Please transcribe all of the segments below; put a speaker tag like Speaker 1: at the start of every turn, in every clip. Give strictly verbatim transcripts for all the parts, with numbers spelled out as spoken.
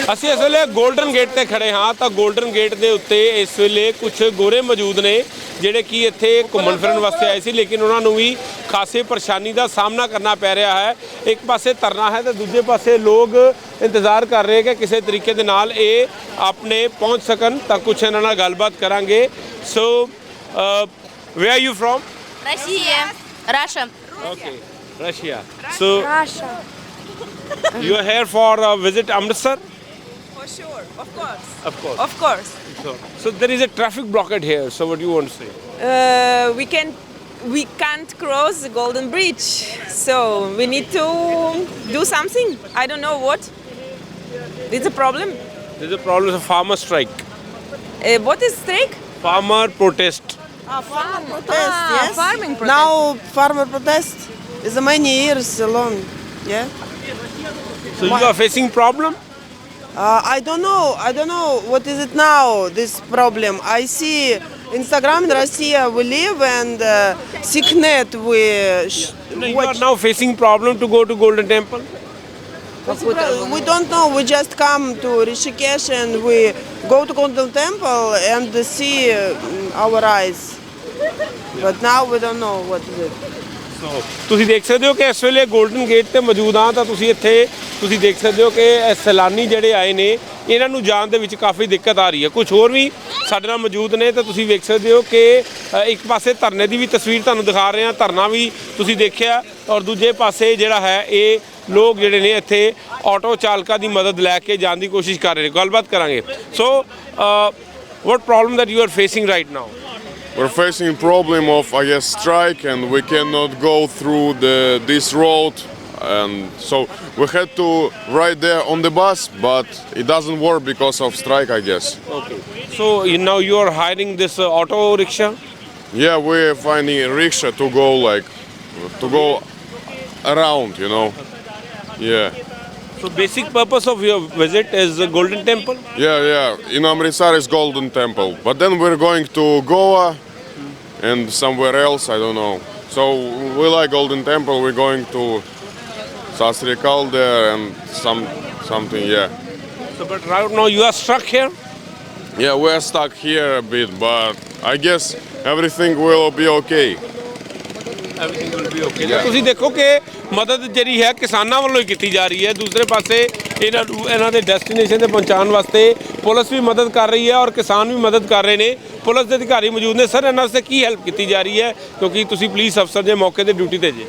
Speaker 1: ਅਸੀਂ ਇਸ ਵੇਲੇ ਗੋਲਡਨ ਗੇਟ ਤੇ ਖੜੇ ਹਾਂ ਤਾਂ ਗੋਲਡਨ ਗੇਟ ਦੇ ਉੱਤੇ ਇਸ ਵੇਲੇ ਕੁਝ ਗੋਰੇ ਮੌਜੂਦ ਨੇ ਜਿਹੜੇ ਕਿ ਇੱਥੇ ਘੁੰਮਣ ਫਿਰਨ ਵਾਸਤੇ ਆਏ ਸੀ, ਲੇਕਿਨ ਉਹਨਾਂ ਨੂੰ ਵੀ ਖਾਸੀ ਪਰੇਸ਼ਾਨੀ ਦਾ ਸਾਹਮਣਾ ਕਰਨਾ ਪੈ ਰਿਹਾ ਹੈ। ਇੱਕ ਪਾਸੇ ਧਰਨਾ ਹੈ ਤੇ ਦੂਜੇ ਪਾਸੇ ਲੋਕ ਇੰਤਜ਼ਾਰ ਕਰ ਰਹੇ ਕਿ ਕਿਸੇ ਤਰੀਕੇ ਦੇ ਨਾਲ ਇਹ ਆਪਣੇ ਪਹੁੰਚ ਸਕਣ। ਤਾਂ ਕੁਝ ਇਹਨਾਂ ਨਾਲ ਗੱਲਬਾਤ ਕਰਾਂਗੇ। So where are you from?
Speaker 2: Россия. Russia.
Speaker 1: Okay, Russia. So
Speaker 2: Russia.
Speaker 1: you are here for a visit Amritsar?
Speaker 3: For sure, of course.
Speaker 1: Of course.
Speaker 3: Of course.
Speaker 1: So, so there is a traffic blockade here. So what do you want to say?
Speaker 3: Uh, we can we can't cross the Golden Bridge, so we need to do something. I don't know what. It's a problem.
Speaker 1: There is a problem of farmer strike.
Speaker 3: Uh, what is strike?
Speaker 1: Farmer protest.
Speaker 3: Ah, farm
Speaker 4: Protest, yes.
Speaker 3: farming protest.
Speaker 4: Now farmer protest is many years long. Yeah.
Speaker 1: So you are facing problem?
Speaker 4: Uh, I don't know. I don't know what is it now. This problem. I see Instagram in Russia we live and uh, Siknet we. Sh-
Speaker 1: No, you are
Speaker 4: watch.
Speaker 1: now facing problem to go to Golden Temple.
Speaker 4: We don't know. We just come to Rishikesh and we go to Golden Temple and see uh, our eyes. But now we don't know what is it.
Speaker 1: So ਤੁਸੀਂ ਦੇਖ ਸਕਦੇ ਹੋ ਕਿ ਇਸ ਵੇਲੇ golden gate ਤੇ ਮੌਜੂਦ ਹਾਂ ਤਾਂ ਤੁਸੀਂ ਇੱਥੇ ਤੁਸੀਂ ਦੇਖ ਸਕਦੇ ਹੋ ਕਿ ਇਹ ਸੈਲਾਨੀ ਜਿਹੜੇ ਆਏ ਨੇ ਇਹਨਾਂ ਨੂੰ ਜਾਣ ਦੇ ਵਿੱਚ ਕਾਫੀ ਦਿੱਕਤ ਆ ਰਹੀ ਹੈ। ਕੁਝ ਹੋਰ ਵੀ ਸਾਡੇ ਨਾਲ ਮੌਜੂਦ ਨੇ ਤਾਂ ਤੁਸੀਂ ਵੇਖ ਸਕਦੇ ਹੋ ਕਿ ਅ, ਇੱਕ ਪਾਸੇ ਧਰਨੇ ਦੀ ਵੀ ਤਸਵੀਰ ਤੁਹਾਨੂੰ ਦਿਖਾ ਰਹੇ ਹਾਂ, ਧਰਨਾ ਵੀ ਤੁਸੀਂ ਦੇਖਿਆ, ਔਰ ਦੂਜੇ ਪਾਸੇ ਜਿਹੜਾ ਹੈ ਇਹ ਲੋਕ ਜਿਹੜੇ ਨੇ ਇੱਥੇ ਆਟੋ ਚਾਲਕਾਂ ਦੀ ਮਦਦ ਲੈ ਕੇ ਜਾਣ ਦੀ ਕੋਸ਼ਿਸ਼ ਕਰ ਰਹੇ ਨੇ। ਗੱਲਬਾਤ ਕਰਾਂਗੇ। So what problem that you are facing right now?
Speaker 5: We're facing problem of I guess strike and we cannot go through the this road, and so we had to ride there on the bus, but it doesn't work because of strike I guess.
Speaker 1: Okay. So you, now you are hiring this uh, auto rickshaw?
Speaker 5: Yeah, we're finding a rickshaw to go like to go around, you know. Yeah.
Speaker 1: So basic purpose of your visit is the Golden Temple?
Speaker 5: Yeah, yeah. In Amritsar is Golden Temple, but then we're going to Goa and somewhere else, I don't know. So we like Golden Temple. We're going to Sasrikal there and some something, yeah.
Speaker 1: So but right now you are stuck here?
Speaker 5: Yeah, we're stuck here a bit, but I guess everything will be okay.
Speaker 1: Everything will be okay. ਤਾਂ ਤੁਸੀਂ ਦੇਖੋ ਕਿ ਮਦਦ ਜਿਹੜੀ ਹੈ ਕਿਸਾਨਾਂ ਵੱਲੋਂ ਹੀ ਕੀਤੀ ਜਾ ਰਹੀ ਹੈ। ਦੂਸਰੇ ਪਾਸੇ ਇਹਨਾਂ ਨੂੰ ਇਹਨਾਂ ਦੇ ਡੈਸਟੀਨੇਸ਼ਨ ਤੇ ਪਹੁੰਚਾਉਣ ਵਾਸਤੇ ਪੁਲਿਸ ਵੀ ਮਦਦ ਕਰ ਰਹੀ ਹੈ ਔਰ ਕਿਸਾਨ ਵੀ ਮਦਦ ਕਰ ਰਹੇ ਨੇ। ਪੁਲਿਸ ਦੇ ਅਧਿਕਾਰੀ ਮੌਜੂਦ ਨੇ। ਸਰ, ਇਹਨਾਂ ਵਾਸਤੇ ਕੀ ਹੈਲਪ ਕੀਤੀ ਜਾ ਰਹੀ ਹੈ, ਕਿਉਂਕਿ ਤੁਸੀਂ ਪੁਲਿਸ ਅਫਸਰ ਜੇ ਮੌਕੇ ਤੇ ਡਿਊਟੀ ਤੇ ਜੇ?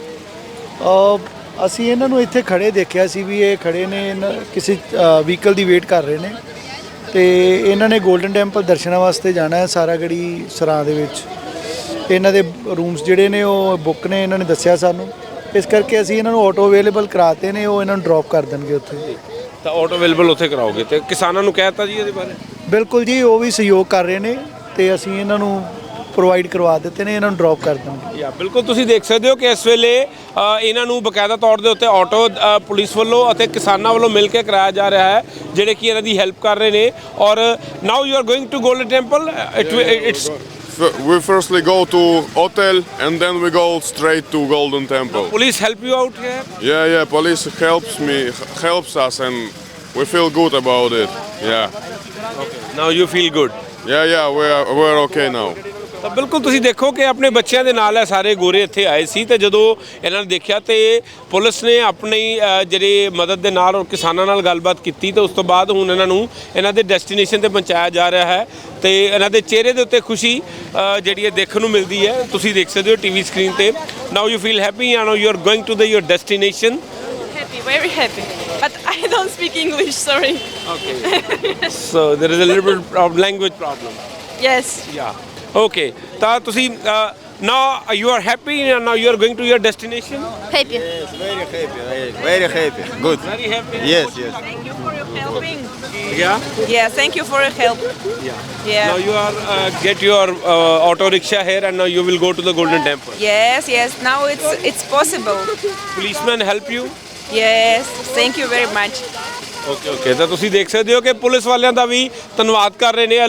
Speaker 6: ਅ, ਅਸੀਂ ਇਹਨਾਂ ਨੂੰ ਇੱਥੇ ਖੜੇ ਦੇਖਿਆ ਸੀ ਵੀ ਇਹ ਖੜੇ ਨੇ, ਇਹਨਾਂ ਕਿਸੇ ਵਹੀਕਲ ਦੀ ਵੇਟ ਕਰ ਰਹੇ ਨੇ ਤੇ ਇਹਨਾਂ ਨੇ ਗੋਲਡਨ ਟੈਂਪਲ ਦਰਸ਼ਨਾਂ ਵਾਸਤੇ ਜਾਣਾ ਹੈ। ਸਾਰਾਗੜੀ ਸਰਾਂ ਦੇ ਵਿੱਚ ਇਹਨਾਂ ਦੇ ਰੂਮਸ ਜਿਹੜੇ ਨੇ ਉਹ ਬੁੱਕ ਨੇ, ਇਹਨਾਂ ਨੇ ਦੱਸਿਆ ਸਾਨੂੰ। ਇਸ ਕਰਕੇ ਅਸੀਂ ਇਹਨਾਂ ਨੂੰ ਆਟੋ ਅਵੇਲੇਬਲ ਕਰਾਤੇ ਨੇ, ਉਹ ਇਹਨਾਂ ਨੂੰ ਡ੍ਰੌਪ ਕਰ ਦੇਣਗੇ ਉੱਥੇ।
Speaker 1: ਤਾਂ ਆਟੋ ਅਵੇਲੇਬਲ ਉੱਥੇ ਕਰਾਓਗੇ ਤੇ ਕਿਸਾਨਾਂ ਨੂੰ ਕਹਿ ਦਿੱਤਾ ਜੀ ਇਹਦੇ ਬਾਰੇ?
Speaker 6: ਬਿਲਕੁਲ ਜੀ, ਉਹ ਵੀ ਸਹਿਯੋਗ ਕਰ ਰਹੇ ਨੇ ਤੇ ਅਸੀਂ ਇਹਨਾਂ ਨੂੰ ਪ੍ਰੋਵਾਈਡ ਕਰਵਾ ਦਿੱਤੇ ਨੇ, ਇਹਨਾਂ ਨੂੰ ਡ੍ਰੌਪ ਕਰ ਦੇਣਗੇ।
Speaker 1: ਯਾ ਬਿਲਕੁਲ, ਤੁਸੀਂ ਦੇਖ ਸਕਦੇ ਹੋ ਕਿ ਇਸ ਵੇਲੇ ਅ, ਇਹਨਾਂ ਨੂੰ ਬਕਾਇਦਾ ਤੌਰ ਦੇ ਉੱਤੇ ਆਟੋ ਅ, ਪੁਲਿਸ ਵੱਲੋਂ ਅਤੇ ਕਿਸਾਨਾਂ ਵੱਲੋਂ ਮਿਲ ਕੇ ਕਰਾਇਆ ਜਾ ਰਿਹਾ ਹੈ, ਜਿਹੜੇ ਕਿ ਇਹਨਾਂ ਦੀ ਹੈਲਪ ਕਰ ਰਹੇ ਨੇ। ਔਰ now you are going to Golden Temple? It's
Speaker 5: F- We firstly go to hotel and then we go straight to Golden Temple.
Speaker 1: police help you out here?
Speaker 5: Yeah, yeah. Police helps me, helps us, and we feel good about it. Yeah,
Speaker 1: Now you feel good?
Speaker 5: yeah, yeah. We're we're okay now.
Speaker 1: ਤਾਂ ਬਿਲਕੁਲ ਤੁਸੀਂ ਦੇਖੋ ਕਿ ਆਪਣੇ ਬੱਚਿਆਂ ਦੇ ਨਾਲ ਇਹ ਸਾਰੇ ਗੋਰੇ ਇੱਥੇ ਆਏ ਸੀ ਤੇ ਜਦੋਂ ਇਹਨਾਂ ਨੇ ਦੇਖਿਆ ਤੇ ਪੁਲਿਸ ਨੇ ਆਪਣੀ ਅ, ਜਿਹੜੀ ਮਦਦ ਦੇ ਨਾਲ ਔਰ ਕਿਸਾਨਾਂ ਨਾਲ ਗੱਲਬਾਤ ਕੀਤੀ ਤੇ ਉਸ ਤੋਂ ਬਾਅਦ ਹੁਣ ਇਹਨਾਂ ਨੂੰ ਇਹਨਾਂ ਦੇ ਡੈਸਟੀਨੇਸ਼ਨ ਤੇ ਪਹੁੰਚਾਇਆ ਜਾ ਰਿਹਾ ਹੈ ਤੇ ਇਹਨਾਂ ਦੇ ਚਿਹਰੇ ਦੇ ਉੱਤੇ ਖੁਸ਼ੀ ਅ, ਜਿਹੜੀ ਹੈ ਦੇਖਣ ਨੂੰ ਮਿਲਦੀ ਹੈ। ਤੁਸੀਂ ਦੇਖ ਸਕਦੇ ਹੋ ਟੀਵੀ ਸਕਰੀਨ ਤੇ। Now you feel happy? Now you are going to the your destination?
Speaker 3: Happy, very happy. But I don't speak English. Sorry.
Speaker 1: Okay. So there is a little bit of language problem?
Speaker 3: Yes.
Speaker 1: Yeah. Okay. ਤਾਂ ਤੁਸੀਂ now you are happy and now you are going to your destination?
Speaker 2: Happy.
Speaker 7: Yes, very happy, very, very happy. Good.
Speaker 1: Very happy.
Speaker 7: Yes, yes.
Speaker 3: Thank you for your helping.
Speaker 1: Yeah.
Speaker 3: Yeah, thank you for your help.
Speaker 1: Yeah.
Speaker 3: Yeah.
Speaker 1: Now you are uh, get your uh, auto rickshaw here and now you will go to the Golden Temple.
Speaker 3: Yes, yes. Now it's it's possible.
Speaker 1: Policemen help you?
Speaker 3: Yes. Thank you very much.
Speaker 1: Okay okay ਤਾਂ ਤੁਸੀਂ ਦੇਖ ਸਕਦੇ ਹੋ ਕਿ police ਵਾਲਿਆਂ ਦਾ ਵੀ ਧੰਨਵਾਦ ਕਰ ਰਹੇ ਨੇ ਇਹ ਲੋਕ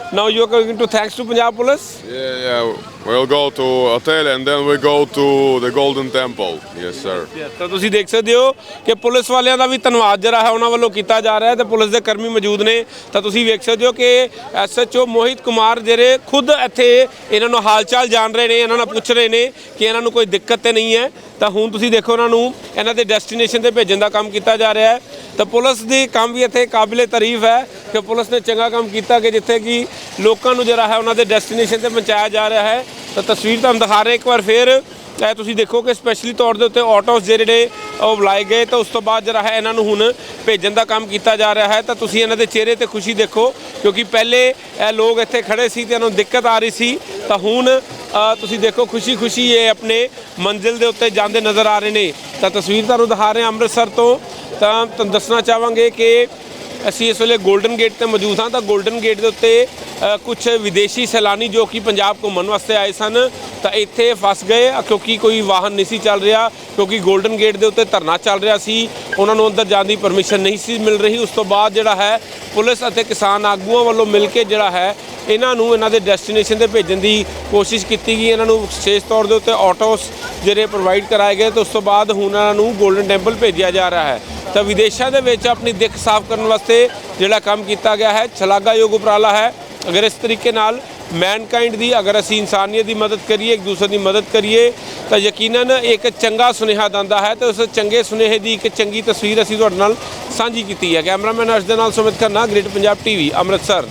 Speaker 1: Now you are going to thanks to Punjab Police.
Speaker 5: Yeah, yeah. We'll go to hotel and then we go to the Golden Temple. Yes, sir.
Speaker 1: ਤਾਂ ਤੁਸੀਂ ਦੇਖ ਸਕਦੇ ਹੋ ਕਿ ਪੁਲਿਸ ਵਾਲਿਆਂ ਦਾ ਵੀ ਧੰਨਵਾਦ ਜਿਹੜਾ ਹੈ ਉਹਨਾਂ ਵੱਲੋਂ ਕੀਤਾ ਜਾ ਰਿਹਾ ਹੈ ਤੇ ਪੁਲਿਸ ਦੇ ਕਰਮੀ ਮੌਜੂਦ ਨੇ। ਤਾਂ ਤੁਸੀਂ ਵੇਖ ਸਕਦੇ ਹੋ ਕਿ ਐਸਐਚਓ ਮੋਹਿਤ ਕੁਮਾਰ ਜਿਹੜੇ ਖੁਦ ਇੱਥੇ ਇਹਨਾਂ ਨੂੰ ਹਾਲ ਚਾਲ ਜਾਣ ਰਹੇ ਨੇ, ਇਹਨਾਂ ਨਾਲ ਪੁੱਛ ਰਹੇ ਨੇ ਕਿ ਇਹਨਾਂ ਨੂੰ ਕੋਈ ਦਿੱਕਤ ਤੇ ਨਹੀਂ ਹੈ। ਤਾਂ ਹੁਣ ਤੁਸੀਂ ਦੇਖੋ ਉਹਨਾਂ ਨੂੰ ਇਹਨਾਂ ਦੇ ਡੈਸਟੀਨੇਸ਼ਨ ਤੇ ਭੇਜਣ ਦਾ ਕੰਮ ਕੀਤਾ ਜਾ ਰਿਹਾ ਹੈ। ਤਾਂ ਪੁਲਿਸ ਦੀ ਕੰਮ ਵੀ ਇੱਥੇ ਕਾਬਿਲੇ ਤਾਰੀਫ ਹੈ ਕਿ ਪੁਲਿਸ ਨੇ ਚੰਗਾ ਕੰਮ ਕੀਤਾ ਕਿ ਜਿੱਥੇ ਕਿ ਲੋਕਾਂ ਨੂੰ ਜਿਹੜਾ ਹੈ ਉਹਨਾਂ ਦੇ ਡੈਸਟੀਨੇਸ਼ਨ ਤੇ ਪਹੁੰਚਾਇਆ ਜਾ ਰਿਹਾ ਹੈ। ਤਾਂ ਤਸਵੀਰ ਤੁਹਾਨੂੰ ਦਿਖਾ ਰਹੇ ਇੱਕ ਵਾਰ ਫਿਰ ਇਹ ਤੁਸੀਂ ਦੇਖੋ ਕਿ ਸਪੈਸ਼ਲੀ ਤੌਰ ਦੇ ਉੱਤੇ ਆਟੋਸ ਜਿਹੜੇ ਉਹ ਬੁਲਾਏ ਗਏ ਤਾਂ ਉਸ ਤੋਂ ਬਾਅਦ ਜਿਹੜਾ ਹੈ ਇਹਨਾਂ ਨੂੰ ਹੁਣ ਭੇਜਣ ਦਾ ਕੰਮ ਕੀਤਾ ਜਾ ਰਿਹਾ ਹੈ। ਤਾਂ ਤੁਸੀਂ ਇਹਨਾਂ ਦੇ ਚਿਹਰੇ ਤੇ ਖੁਸ਼ੀ ਦੇਖੋ ਕਿਉਂਕਿ ਪਹਿਲੇ ਇਹ ਲੋਕ ਇੱਥੇ ਖੜੇ ਸੀ ਤੇ ਇਹਨਾਂ ਨੂੰ ਦਿੱਕਤ ਆ ਰਹੀ ਸੀ। ਤਾਂ ਹੁਣ ਤੁਸੀਂ ਦੇਖੋ ਖੁਸ਼ੀ ਖੁਸ਼ੀ ਇਹ ਆਪਣੇ ਮੰਜ਼ਿਲ ਦੇ ਉੱਤੇ ਜਾਂਦੇ ਨਜ਼ਰ ਆ ਰਹੇ ਨੇ। ਤਾਂ ਤਸਵੀਰ ਤੁਹਾਨੂੰ ਦਿਖਾ ਰਹੇ ਹਾਂ ਅੰਮ੍ਰਿਤਸਰ ਤੋਂ। ਤਾਂ ਤੁਹਾਨੂੰ ਦੱਸਣਾ ਚਾਹਾਂਗੇ ਕਿ ਅਸੀਂ ਇਸ ਵੇਲੇ ਗੋਲਡਨ ਗੇਟ ਤੇ ਮੌਜੂਦ ਹਾਂ। ਤਾਂ ਗੋਲਡਨ ਗੇਟ ਦੇ ਉੱਤੇ ਕੁਝ ਵਿਦੇਸ਼ੀ ਸੈਲਾਨੀ ਜੋ ਕਿ ਪੰਜਾਬ ਘੁੰਮਣ ਵਾਸਤੇ ਆਏ ਸਨ ਤਾਂ ਇੱਥੇ ਫਸ ਗਏ ਕਿਉਂਕਿ ਕੋਈ ਵਾਹਨ ਨਹੀਂ ਸੀ ਚੱਲ ਰਿਹਾ, ਕਿਉਂਕਿ ਗੋਲਡਨ ਗੇਟ ਦੇ ਉੱਤੇ ਧਰਨਾ ਚੱਲ ਰਿਹਾ ਸੀ, ਉਹਨਾਂ ਨੂੰ ਅੰਦਰ ਜਾਣ ਦੀ ਪਰਮਿਸ਼ਨ ਨਹੀਂ ਸੀ ਮਿਲ ਰਹੀ। ਉਸ ਤੋਂ ਬਾਅਦ ਜਿਹੜਾ ਹੈ ਪੁਲਿਸ ਅਤੇ ਕਿਸਾਨ ਆਗੂਆਂ ਵੱਲੋਂ ਮਿਲ ਕੇ ਜਿਹੜਾ ਹੈ ਇਹਨਾਂ ਨੂੰ ਇਹਨਾਂ ਦੇ ਡੈਸਟੀਨੇਸ਼ਨ ਤੇ ਭੇਜਣ ਦੀ ਕੋਸ਼ਿਸ਼ ਕੀਤੀ ਗਈ। ਇਹਨਾਂ ਨੂੰ ਵਿਸ਼ੇਸ਼ ਤੌਰ ਦੇ ਉੱਤੇ ਆਟੋਸ ਜਿਹੜੇ ਪ੍ਰੋਵਾਈਡ ਕਰਾਏ ਗਏ ਤੇ ਉਸ ਤੋਂ ਬਾਅਦ ਹੁਣ ਇਹਨਾਂ ਨੂੰ ਗੋਲਡਨ ਟੈਂਪਲ ਭੇਜਿਆ ਜਾ ਰਿਹਾ ਹੈ। ਤਾਂ ਵਿਦੇਸ਼ਾਂ ਦੇ ਵਿੱਚ ਆਪਣੀ ਦਿੱਖ ਸਾਫ਼ ਕਰਨ ਵਾਸਤੇ ਜਿਹੜਾ ਕੰਮ ਕੀਤਾ ਗਿਆ ਹੈ ਸ਼ਲਾਘਾਯੋਗ ਉਪਰਾਲਾ ਹੈ। ਅਗਰ ਇਸ ਤਰੀਕੇ ਨਾਲ ਮੈਨਕਾਈਂਡ ਦੀ ਅਗਰ ਅਸੀਂ ਇਨਸਾਨੀਅਤ ਦੀ ਮਦਦ ਕਰੀਏ, ਇੱਕ ਦੂਸਰੇ ਦੀ ਮਦਦ ਕਰੀਏ ਤਾਂ ਯਕੀਨਨ ਇੱਕ ਚੰਗਾ ਸੁਨੇਹਾ ਦਿੰਦਾ ਹੈ। ਤੇ ਉਸ ਚੰਗੇ ਸੁਨੇਹੇ ਦੀ ਇੱਕ ਚੰਗੀ ਤਸਵੀਰ ਅਸੀਂ ਤੁਹਾਡੇ ਨਾਲ ਸਾਂਝੀ ਕੀਤੀ ਹੈ। ਕੈਮਰਾਮੈਨ ਅਰਸ਼ ਦੇ ਨਾਲ ਸੁਮਿਤ ਖੰਨਾ, ਗ੍ਰੇਟ ਪੰਜਾਬ ਟੀਵੀ, ਅੰਮ੍ਰਿਤਸਰ।